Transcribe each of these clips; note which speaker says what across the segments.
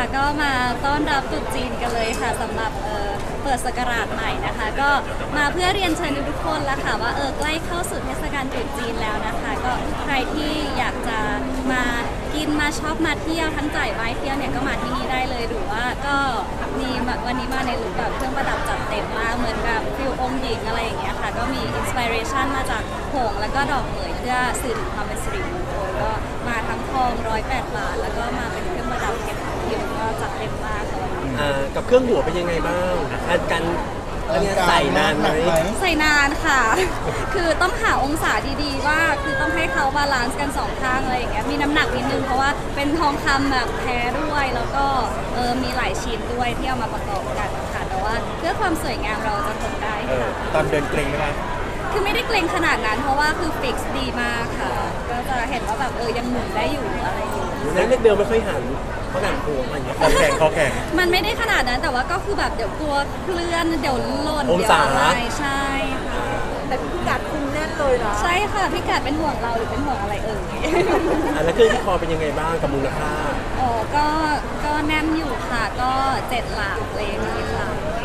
Speaker 1: ก็มาต้อนรับตรุษจีนกันเลยค่ะสำหรับเปิดศักราชใหม่นะคะก็มาเพื่อเรียนเชิญทุกคนแล้วค่ะว่าใกล้เข้าสู่เทศกาลตรุษจีนแล้วนะคะก็ใครที่อยากจะมากินมาช็อปมาเที่ยวทั้งจ่ายไว้เที่ยวเนี่ยก็มาที่นี่ได้เลยหรือว่าก็มีวันนี้มาในลุคแบบเครื่องประดับจัดเต็มมากเหมือนกับฟิลองค์หญิงอะไรอย่างเงี้ยค่ะก็มีอินสปิเรชันมาจากหงส์แล้วก็ดอกเหมยเพื่อสื่อถึงความเป็นสิริมงคลก็มาทั้งทอง108 บาทแล้วก็มาเป็นเครื่องประดับเพชรผิวก็จัดเต็มมากเลย
Speaker 2: กับเครื่องหัวเป็นยังไงบ้างการอันนี้ใส่นานไหม
Speaker 1: ใส่นานค่ะ คือต้องหาองศาดีๆว่าคือต้องให้เขาบาลานซ์กันสองข้างอะไรอย่างเงี้ยมีน้ำหนักนิดนึงเพราะว่าเป็นทองคำแบบแท้ด้วยแล้วก็มีหลายชิ้นด้วยที่เอามาประกอบกันค่ะแต่ว่าเพื่อความสวยงามเราจะทนได้ค่ะ
Speaker 3: ตอนเดินเกรงไหมคะ
Speaker 1: คือไม่ได้เกรงขนาดนั้นเพราะว่าคือฟิกซ์ดีมากค่ะก็จะเห็นว่าแบบยังหมุนได้อยู่อะไรอยู่
Speaker 2: แล้วเล็กเบลไม่ค่อยหันเพราะหนังโค้งอะไรอย่างเงี้ย
Speaker 3: คอแข็ง
Speaker 1: มันไม่ได้ขนาดนั้นแต่ว่าก็คือแบบเดี๋ยวกลัวเคลื่อนเดี๋ยวหล่น
Speaker 2: องศา
Speaker 1: ใช่ค่ะ
Speaker 4: แต่พี่กัดคุมแน่นเลยนะ
Speaker 1: ใช่ค่ะพี่กัดเป็นห่วงเราหรือเป็นห่วงอะไร
Speaker 2: แล้วเครื่องที่คอเป็นยังไงบ้างกับมูลค่า
Speaker 1: ก็แน่นอยู่ค่ะก็7 หลักเลยนี่ค่ะ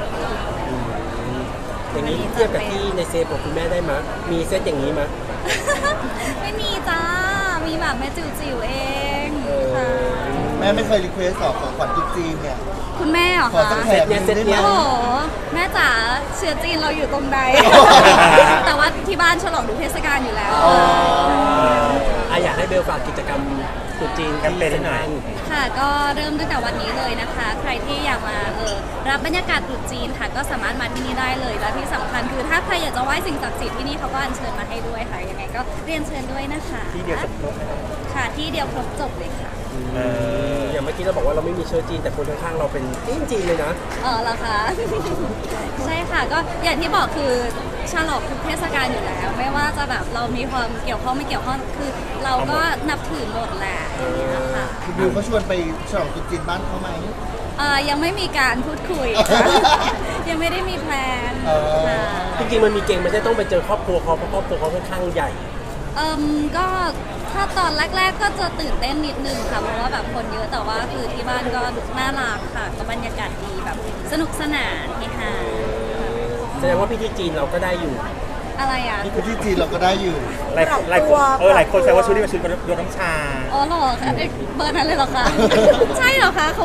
Speaker 2: อย่างนี้เทียบกับที่ในเซฟของคุณแม่ได้มั้ยมีเซตอย่างนี้มั้ย
Speaker 1: ไม่มีจ้ามีแบบแม่จิ๋วๆเองค่ะ
Speaker 5: แม่ไม่เคยรีเควสของขวัญตุ๊กจีนเนี่ย
Speaker 1: คุณแม่เหรอ
Speaker 5: คะ
Speaker 1: เซตเนี้ยโอ้โหแม่จ๋าเชื้อจีนเราอยู่ตรงใดแต่ว่าที่บ้านฉลองทุกเทศกาลอยู่แล้ว
Speaker 2: อยากให้เบลฝากกิจกรรมตรุษจีน
Speaker 3: แคมเปญหน่อย
Speaker 1: ค่ะก็เริ่มตั้งแต่วันนี้เลยนะคะใครที่อยากมารับบรรยากาศตรุษจีนค่ะก็สามารถมาที่นี่ได้เลยและที่สำคัญคือถ้าใครอยากจะไหว้สิ่งศักดิ์สิทธิ์ที่นี่เขาก็อัญเชิญมาให้ด้วยค่ะยังไงก็เรียนเชิญด้วยนะคะ
Speaker 3: ที่เดียวจบครบ
Speaker 1: ค่ะที่เดียวครบจบเลยค่ะ
Speaker 2: อย่างเมื่อกี้เราบอกว่าเราไม่มีเชื้อจีนแต่คนข้างๆเราเป็นจีนเลยนะ
Speaker 1: เหรอคะใช่ค่ะก็อย่างที่บอกคือฉลองทุกเทศกาลอยู่แล้วไม่ว่าจะแบบเรามีความเกี่ยวข้องไม่เกี่ยวข้องคือเราก็นับถือหมดแหละค่ะ
Speaker 5: คุณบิวเขาชวนไปฉลองตุ๊กจีนบ้านเขาไหม
Speaker 1: ยังไม่มีการพูดคุยยังไม่ได้มีแพลน
Speaker 2: จริงๆมันมีเก่งมันจะต้องไปเจอครอบครัวเขาเพราะครอบครัวเขาค่อนข้างใหญ่
Speaker 1: ก็ถ้าตอนแรกๆก็จะตื่นเต้นนิดนึงค่ะเพราะว่าแบบคนเยอะแต่ว่าคือที่บ้านก็น่ารักค่ะก็บรรยากาศดีแบบสนุกสนานเฮฮา
Speaker 2: แสดงว่าพิธีจีนเราก็ได้อยู่
Speaker 1: อะไรอ่ะ
Speaker 5: พิธีจีนเราก็ได้อยู่
Speaker 3: หลายคนแซวว่าชุดนี้เป็นชุดยกน้ำชา
Speaker 1: หรอคะเบอร์นั้นเลยเหรอคะใช่เหรอคะเขา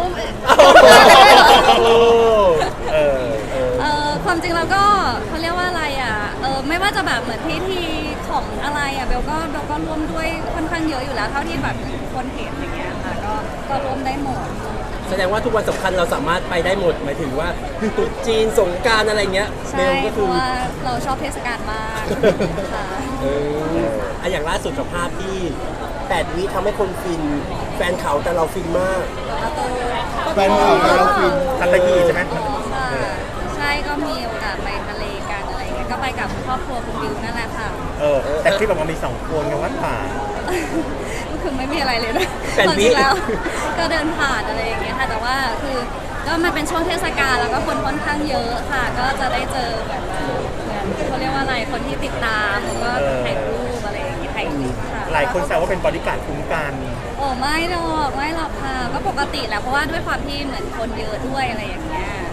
Speaker 1: ความจริงเราก็เขาเรียกว่าอะไรอ่ะไม่ว่าจะแบบเหมือนพิธีของอะไรอ่ะเบลก็ร่วมด้วยค่อนข้างเยอะอยู่แล้วเท่าที่แบบคนเห็นอย่างเงี้ยค่ะก็ร่วมได้หมด
Speaker 2: แสดงว่าทุกวันสำคัญเราสามารถไปได้หมดหมายถึงว่าตรุษจีนสงกรานต์อะไรเงี้ย
Speaker 1: ใช่เพราะว่าเราชอบเทศกาลมากค่ะ
Speaker 2: อย่างล่าสุดกับภาพที่8 วิทำให้คนฟินแฟนเขาแต่เราฟินมาก
Speaker 5: แฟนเขาแต่เราฟิน
Speaker 3: ทะเลใช่ไหม
Speaker 1: ใช่ก็มีโอกาสไปทะเลกันอะไรเงี้ยก็ไปกับครอบครัวคุณบิวนั่นแหละค่ะ
Speaker 3: แต่ที่บอกว่ามี2 คนกันวัดป่า
Speaker 1: ก็คือไม่มีอะไรเลยนะตอนนี้แล้วก็เดินผ่านอะไรอย่างเงี้ยค่ะแต่ว่าคือก็มันเป็นช่วงเทศกาลแล้วก็คนค่อนข้างเยอะค่ะก็จะได้เจอแบบเขาเรียกว่าอะไรคนที่ติดตามแล้วก็ถ่ายรูปอะไรอย่างเงี้ยถ่ายคลิปค่ะ
Speaker 3: หลายคนแซวว่าเป็นบอดี้การ์ดคุ้มกัน
Speaker 1: ไม่หรอกค่ะก็ปกติแหละเพราะว่าด้วยความที่เหมือนคนเยอะด้วยอะไรอย่างเงี้ย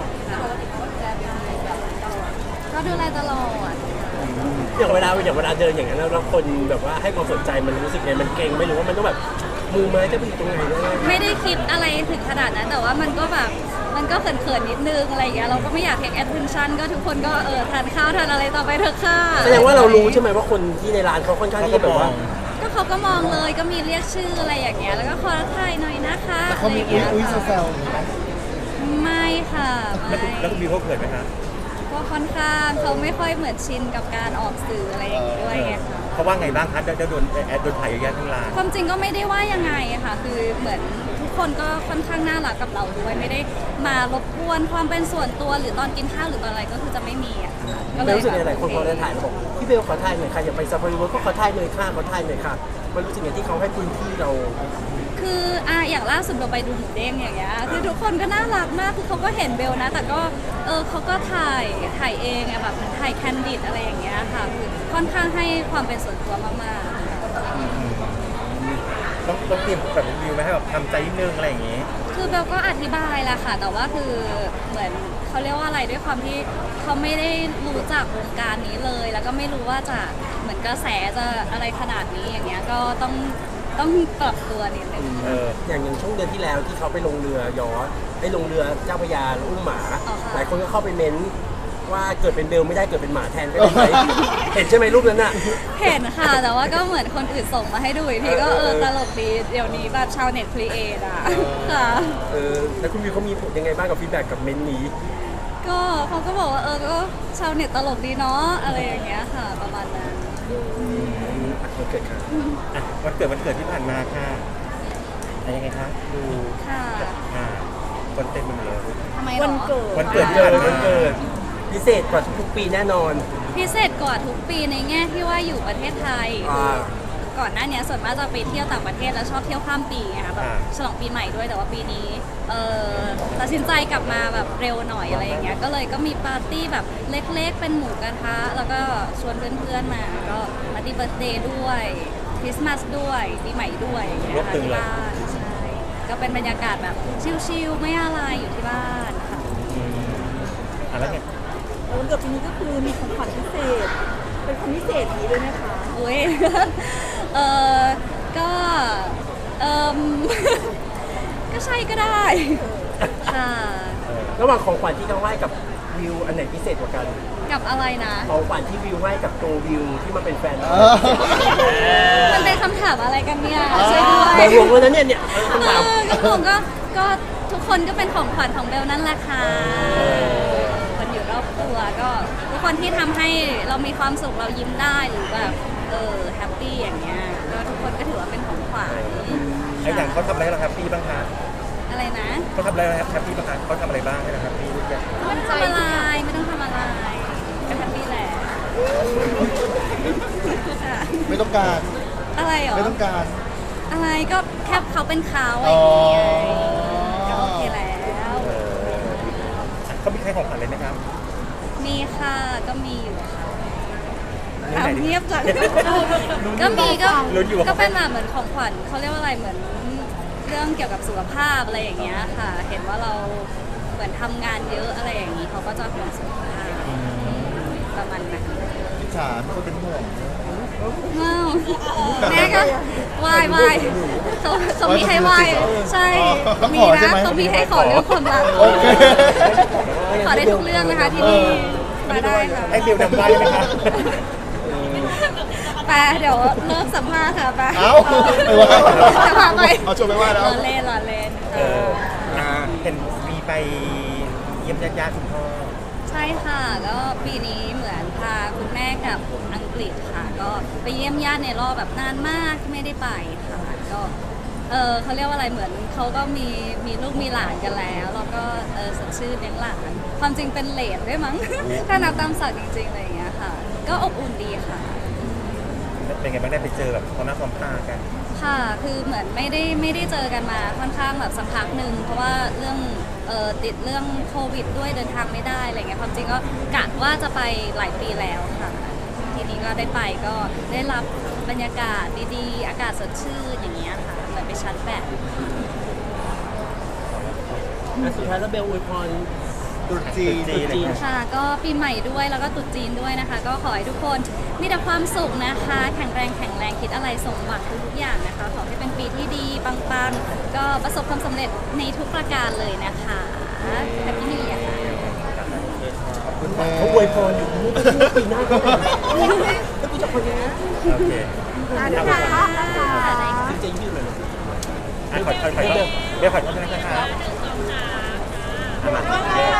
Speaker 1: ก็ดูแลตลอด
Speaker 2: อย่างเวลาเดินอย่างนั้นแล้วคนแบบว่าให้ความสนใจมันรู้สึกไงมันเก่งไม่รู้ว่ามันต้องแบบมือไม้จะไปอยู่ตรงไหน
Speaker 1: ไม่ได้คิดอะไรถึงขนาดนั้นแต่ว่ามันก็แบบมันก็เขินๆนิดนึงอะไรอย่างเงี้ยเราก็ไม่อยากเทคแอทเทนชั่นก็ทุกคนก็ทานข้าวทานอะไรต่อไปเถอะค่ะ
Speaker 2: แสดงว่าเรารู้ใช่ไหมว่าคนที่ในร้านเขาค่อนข้างที่จะแบบว่า
Speaker 1: ก็เขาก็มองเลยก็มีเรียกชื่ออะไรอย่างเงี้ยแล้วก็ขอถ่ายหน่อยนะคะ
Speaker 5: แต่เขามีอุ้ยแซว
Speaker 1: ไม่ค่ะ
Speaker 3: แล้วคุณบิวเขาเขินไหมคะ
Speaker 1: ก็ค่อนข้างเขาไม่ค่อยเหมือนชินกับการออกสื่ออะไรอย่างงี้ด้วยไงค่ะ
Speaker 3: เขาว่าไงบ้างคะได้โดนถ่ายเยอะแยะทั้งร้าน
Speaker 1: ความจริงก็ไม่ได้ว่ายังไงค่ะคือเหมือนทุกคนก็ค่อนข้างน่ารักกับเราด้วยไม่ได้มารบกวนความเป็นส่วนตัวหรือตอนกินข้าวหรือตอนอะไรก็คือจะไม่มีอ่ะ
Speaker 2: ก็เลยรู้สึกหลายคนพอได้ถ่ายแล้วบอกพี่เบลขอถ่ายหน่อยค่ะอย่าไปซาฟารีเวิร์ก็ขอถ่ายหน่อยค่ะมันรู้สึกอย่างที่เขาให้พื้นที่เรา
Speaker 1: คืออย่างล่าสุดเราไปดูหมูเด้งอย่างเงี้ยคือทุกคนก็น่ารักมากคือเขาก็เห็นเบลนะแต่ก็เขาก็ถ่ายเองอะแบบถ่ายแคนดิดอะไรอย่างเงี้ยค่ะคือค่อนข้างให้ความเป็นส่วนตัวมากๆ
Speaker 3: ต้องเตรียมแบบวิวไหมให้แบบทำใจนิดนึงอะไรอย่างงี้
Speaker 1: คือเบลก็อธิบายแหละค่ะ แต่ว่าคือเหมือนเขาเรียกว่าอะไรด้วยความที่เขาไม่ได้รู้จักวงการนี้เลย แล้วก็ไม่รู้ว่าจะเหมือนกระแสจะอะไรขนาดนี้อย่างเงี้ยก็ต้องปรับตัวนิดนึง
Speaker 2: อย่างช่วงเดือนที่แล้วที่เขาไปลงเรือยอชต์ไปลงเรือเจ้าพระยาแล้วอุ้มหมา
Speaker 1: อ๋อค่ะ
Speaker 2: หลายคนก็เข้าไปเม้นว่าเกิดเป็นเบลไม่ได้เกิดเป็นหมาแทนก็ได้ไหม เห็นใช่ไหมรูปนั้นน่ะ
Speaker 1: เห็นค่ะ แต่ว่าก็เหมือนคนอื่นส่งมาให้ดูอีกทีก็ตลกดีเดี๋ยวนี้แบบชาวเน็ตครีเอทอ่ะค่ะ
Speaker 2: แล้วคุณวิวเขามีผลยังไงบ้างกับฟีดแบ็กกับเม้นต์นี้
Speaker 1: ก็เขาก็บอกว่าก็ชาวเน็ตตลกดีเนาะอะไรอย่างเงี้ยค่ะ ประมาณนั้น
Speaker 2: มันเกิดค่ะ
Speaker 3: อ่ะวันเกิดที่ผ่านมาค่ะอะไรยังไงคะดู
Speaker 1: ค่ะ
Speaker 3: คนเต็มไปหมดเลย
Speaker 1: ทำไมหรอ
Speaker 4: วันเกิด
Speaker 3: วันเกิด
Speaker 2: วันเกิดพิเศษกว่าทุกๆปีแน่นอน
Speaker 1: พิเศษกว่าทุกปีในแง่ที่ว่าอยู่ประเทศไทย ก่อนหน้านี้ส่วนมากจะไปเที่ยวต่างประเทศแล้วชอบเที่ยวข้ามปีไงคะแบบฉลองปีใหม่ด้วยแต่ว่าปีนี้ตัดสินใจกลับมาแบบเร็วหน่อยอะไรอย่างเงี้ยก็เลยก็มีปาร์ตี้แบบเล็กๆเป็นหมูกระทะแล้วก็ชวนเพื่อนๆมาก็ปาร์ตี้เบิร์ธเดย์ด้วยคริสต์มาสด้วยปีใหม่ด้วยอย่างเงี้ยค่ะที่บ้านใช่ก็เป็นบรรยากาศแบบชิลๆไม่อะไรอยู่ที่บ้านค่ะ
Speaker 3: แล้วไง
Speaker 4: วันเกิดปีนี้ก็คือมีของขวัญพิเศษ เป็นคนพิเศษนี้ด้วยนะคะ
Speaker 1: อุ้ย ก็เออ ก็ใช่ก็ได้ ค่ะ
Speaker 2: ระหว่างของขวัญที่เขาให้กับวิวอันไหนพิเศษกว่ากัน
Speaker 1: กับอะไรนะ
Speaker 2: ของขวัญที่วิวให้กับตัววิวที่มาเป็นแฟนเรา
Speaker 1: มันเป็นคำถามอะไรกันเนี่ยช่วยด้วย
Speaker 2: มองวงแล้วนะเนี่ยคำถาม
Speaker 1: ก็ทุกคนก็เป็นของขวัญของเบลนั่นแหละค่ะคนอยู่รอบตัวก็ทุกคนที่ทำให้เรามีความสุขเรายิ้มได้หรือแบบแฮปปี้อย่างเงี้ยก็ทุกคนก็ถือว่าเป็นของขวัญ
Speaker 3: ไอ้อย่างเขาทำอะไรให้เราแฮปปี้บ้างคะ
Speaker 1: อะไรนะ
Speaker 3: เขาทำอะไรให้เราแฮปปี้บ้างคะเขาทำอะไรบ้างให้เราแฮปปี้ทุกอย่าง
Speaker 1: ไม่ต้องทำอะไรไม่ต้องทำอะไรก็แฮปปี้แหละค่ะ
Speaker 5: ไม่ต้องการ
Speaker 1: อะไรหรอ
Speaker 5: ไม่ต้องการ
Speaker 1: อะไรก็แค่เขาเป็นเขาอะไรอย่างเงี้ยก็โอเคแล้ว
Speaker 3: เขามีใครของขวัญเลยไหมครับ
Speaker 1: มีค่ะก็มีอยู่ค่ะ
Speaker 3: นี่
Speaker 1: ถาม
Speaker 3: ไหน
Speaker 1: เงียบจังก็มีก็
Speaker 3: ลุ้นอยู่ว่า
Speaker 1: ก็เป็นแบบเหมือนของขวัญเขาเรียกว่าอะไรเหมือนเรื่องเกี่ยวกับสุขภาพอะไรอย่างเงี้ยค่ะ เห็นว่าเราเหมือนทำงานเยอะอะไรอย่างงี้เขาก็จะห่วงสุขภาพประมาณนั้น
Speaker 5: อิจฉาเป็นคนเป็นห่วง
Speaker 1: ว้าวแม่ก็ไหว้เขามีให้ไหว้ใช่มีนะเขามีให้ขอเรื่องความรัก
Speaker 5: โอเค
Speaker 1: ขอได้ทุกเรื่องนะคะที่นี่มาได้ค่ะ
Speaker 3: ให้เบลนำไหว้ไหมคะ
Speaker 1: ไปเดี๋ยวเริ่มสัมภาษณ์ค่ะไป
Speaker 5: เอ้าไปว่า
Speaker 1: จะพาไป
Speaker 5: เอาชวนไปว่าแล้ว
Speaker 1: รอเล่นค่ะ
Speaker 3: เห็นมีไปเยี่ยมญาติๆคุณพ่อ
Speaker 1: ใช่ค่ะก็ปีนี้เหมือนพาคุณแม่กับอังกฤษค่ะ ก็ไปเยี่ยมญาติในรอบแบบนานมากที่ไม่ได้ไปค่ะก็เขาเรียกว่าอะไรเหมือนเขาก็มีลูกมีหลานกันแล้วแล้วก็สดชื่นเลี้ยงหลานความจริงเป็นเหลนด้วยมั้ง ถ้านับตามศักดิ์จริงๆอะไรอย่างเงี้ยค่ะ ก็อบอุ่นดีค่ะ
Speaker 3: เป็นไงบ้างได้ไปเจอแบบความหน้าความตากัน
Speaker 1: ค่ะ คือเหมือนไม่ได้เจอกันมาค่อนข้างแบบสักพักหนึ่งเพราะว่าเรื่องติดเรื่องโควิดด้วยเดินทางไม่ได้อะไรเงี้ยความจริงก็กะว่าจะไปหลายปีแล้วค่ะ ทีนี้ก็ได้ไปก็ได้รับบรรยากาศดีๆ อากาศสดชื่นอย่างเงี้ยค่ะเหมือนไปชาร์จแบต
Speaker 2: สุดท้ายแล้วเบลอวยพร
Speaker 5: ตรุษจีน
Speaker 3: ตรุษจีน
Speaker 1: ค่ะก็ปีใหม่ด้วยแล้วก็ตรุษจีนด้วยนะคะ ก็ขอให้ทุกคนมีแต่ความสุขนะคะ แข็งแรงคิดอะไรสมหวังทุกๆอย่างนะคะ ขอให้เป็นปีที่ดีปังๆก็ประสบความสำเร็จในทุกประการเลยนะคะแฮปปี้นิวเยียร์ค่ะ
Speaker 5: คุณแม่
Speaker 2: เขาอวยพรอยู่นี่ก็พูดปีหน้าก็ได้แล้วกูจะคนยังไง
Speaker 3: โอเค
Speaker 4: เดี๋ยวนะคะนะคะ
Speaker 2: จริงๆยืดเลย
Speaker 3: ขอเบลขอโทษนะครับมา